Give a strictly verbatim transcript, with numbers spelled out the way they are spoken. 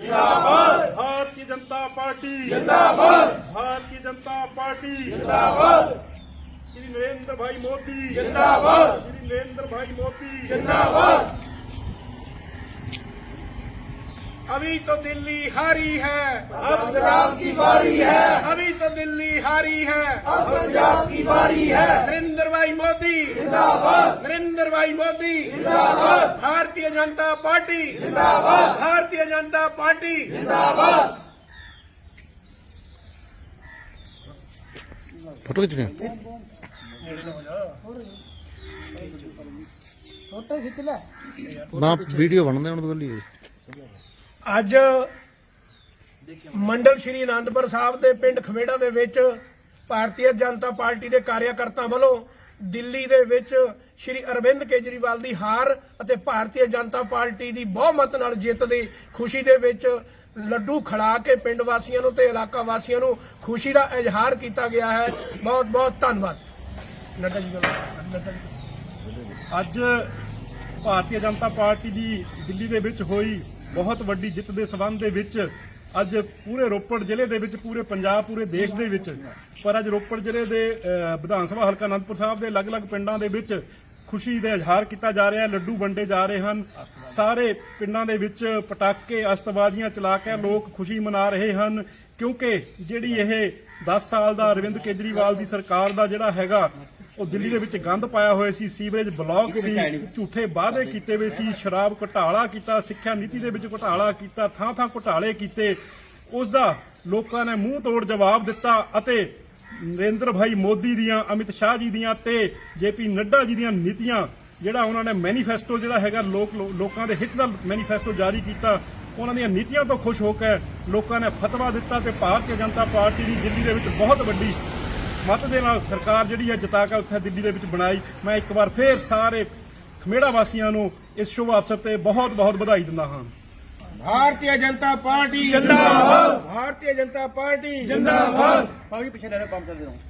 जिंदाबाद, भारतीय जनता पार्टी जिंदाबाद, भारतीय जनता पार्टी जिंदाबाद, श्री नरेंद्र भाई मोदी जिंदाबाद, श्री नरेंद्र भाई मोदी जिंदाबाद। अभी तो दिल्ली हारी है, अब पंजाब की बारी है, अभी तो दिल्ली हारी है। अब पंजाब की बारी है। नरेंद्र भाई मोदी जिंदाबाद, नरेंद्र भाई मोदी जिंदाबाद, भारतीय जनता पार्टी जिंदाबाद, भारतीय जनता पार्टी जिंदाबाद। फोटो खींच रहे हैं? ना वीडियो बनते हैं तो लिए ਅੱਜ ਮੰਡਲ ਸ਼੍ਰੀ ਅਨੰਦਪੁਰ ਸਾਹਿਬ ਦੇ ਪਿੰਡ ਖਵੇੜਾ ਦੇ ਵਿੱਚ ਭਾਰਤੀ ਜਨਤਾ ਪਾਰਟੀ ਦੇ ਕਾਰਿਆਕਰਤਾ ਵੱਲੋਂ ਦਿੱਲੀ ਦੇ ਵਿੱਚ ਸ਼੍ਰੀ ਅਰਵਿੰਦ ਕੇਜਰੀਵਾਲ ਦੀ ਹਾਰ ਅਤੇ ਭਾਰਤੀ ਜਨਤਾ ਪਾਰਟੀ ਦੀ ਬਹੁਮਤ ਨਾਲ ਜਿੱਤ ਦੀ ਖੁਸ਼ੀ ਦੇ ਵਿੱਚ ਲੱਡੂ ਖੜਾ ਕੇ ਪਿੰਡ ਵਾਸੀਆਂ ਨੂੰ ਤੇ ਇਲਾਕਾ ਵਾਸੀਆਂ ਨੂੰ ਖੁਸ਼ੀ ਦਾ ਇਜ਼ਹਾਰ ਕੀਤਾ ਗਿਆ ਹੈ। ਬਹੁਤ ਬਹੁਤ ਧੰਨਵਾਦ। ਨੱਡਾ ਜੀ ਨੱਡਾ ਜੀ ਅੱਜ ਭਾਰਤੀ ਜਨਤਾ ਪਾਰਟੀ ਦੀ ਦਿੱਲੀ ਦੇ ਵਿੱਚ ਹੋਈ ਬਹੁਤ ਵੱਡੀ ਜਿੱਤ ਦੇ ਸਬੰਧ ਦੇ ਵਿੱਚ ਅੱਜ ਪੂਰੇ ਰੋਪੜ ਜ਼ਿਲ੍ਹੇ ਦੇ ਵਿੱਚ ਪੂਰੇ ਪੰਜਾਬ ਪੂਰੇ ਦੇਸ਼ ਦੇ ਵਿੱਚ ਪਰ ਅੱਜ ਰੋਪੜ ਜ਼ਿਲ੍ਹੇ ਦੇ ਅਹ, ਵਿਧਾਨ ਸਭਾ ਹਲਕਾ ਅਨੰਦਪੁਰ ਸਾਹਿਬ ਦੇ ਅਲੱਗ-ਅਲੱਗ ਪਿੰਡਾਂ ਦੇ ਵਿੱਚ ਖੁਸ਼ੀ ਦਾ ਇਜ਼ਹਾਰ ਕੀਤਾ ਜਾ ਰਿਹਾ ਹੈ। ਲੱਡੂ ਵੰਡੇ ਜਾ ਰਹੇ ਹਨ। ਸਾਰੇ ਪਿੰਡਾਂ ਦੇ ਵਿੱਚ ਪਟਾਕੇ ਅਸਤਬਾਜ਼ੀਆਂ ਚਲਾ ਕੇ ਲੋਕ ਖੁਸ਼ੀ ਮਨਾ ਰਹੇ ਹਨ ਕਿਉਂਕਿ ਜਿਹੜੀ ਇਹ ਦਸ ਸਾਲ ਦਾ ਅਰਵਿੰਦ ਕੇਜਰੀਵਾਲ ਦੀ ਸਰਕਾਰ ਦਾ ਜਿਹੜਾ ਹੈਗਾ ਉਹ ਦਿੱਲੀ ਦੇ ਵਿੱਚ ਗੰਦ ਪਾਇਆ ਹੋਇਆ ਸੀ, ਸੀਵਰੇਜ ਬਲਾਕ ਸੀ, ਝੂਠੇ ਵਾਅਦੇ ਕੀਤੇ ਹੋਏ ਸੀ, ਸ਼ਰਾਬ ਘੁਟਾਲਾ ਕੀਤਾ, ਸਿੱਖਿਆ ਨੀਤੀ ਦੇ ਵਿੱਚ ਘੁਟਾਲਾ ਕੀਤਾ, ਥਾਂ ਥਾਂ ਘੁਟਾਲੇ ਕੀਤੇ। ਉਸ ਦਾ ਲੋਕਾਂ ਨੇ ਮੂੰਹ ਤੋੜ ਜਵਾਬ ਦਿੱਤਾ ਅਤੇ ਨਰਿੰਦਰ ਭਾਈ ਮੋਦੀ ਦੀਆਂ, ਅਮਿਤ ਸ਼ਾਹ ਜੀ ਦੀਆਂ ਤੇ ਜੇਪੀ ਨੱਡਾ ਜੀ ਦੀਆਂ ਨੀਤੀਆਂ ਜਿਹੜਾ ਉਹਨਾਂ ਨੇ ਮੈਨੀਫੈਸਟੋ ਜਿਹੜਾ ਹੈਗਾ ਲੋਕ ਲੋਕਾਂ ਦੇ ਹਿੱਤ ਦਾ ਮੈਨੀਫੈਸਟੋ ਜਾਰੀ ਕੀਤਾ, ਉਹਨਾਂ ਦੀਆਂ ਨੀਤੀਆਂ ਤੋਂ ਖੁਸ਼ ਹੋ ਕੇ ਲੋਕਾਂ ਨੇ ਫਤਵਾ ਦਿੱਤਾ ਤੇ ਭਾਰਤੀ ਜਨਤਾ ਪਾਰਟੀ ਦੀ ਦਿੱਲੀ ਦੇ ਵਿੱਚ ਬਹੁਤ ਵੱਡੀ ਮਤ ਦੇ ਨਾਲ ਸਰਕਾਰ ਜਿਹੜੀ ਹੈ ਜਿਤਾ ਕੇ ਉੱਥੇ ਦਿੱਲੀ ਦੇ ਵਿੱਚ ਬਣਾਈ। ਮੈਂ ਇੱਕ ਵਾਰ ਫੇਰ ਸਾਰੇ ਖਮੇੜਾ ਵਾਸੀਆਂ ਨੂੰ ਇਸ ਸ਼ੁਭ ਅਵਸਰ ਤੇ ਬਹੁਤ ਬਹੁਤ ਵਧਾਈ ਦਿੰਦਾ ਹਾਂ। भारतीय जनता पार्टी जिंदाबाद, भारतीय जनता पार्टी जिंदाबाद। पार्टी पीछे पंप कर दे रहा हूँ।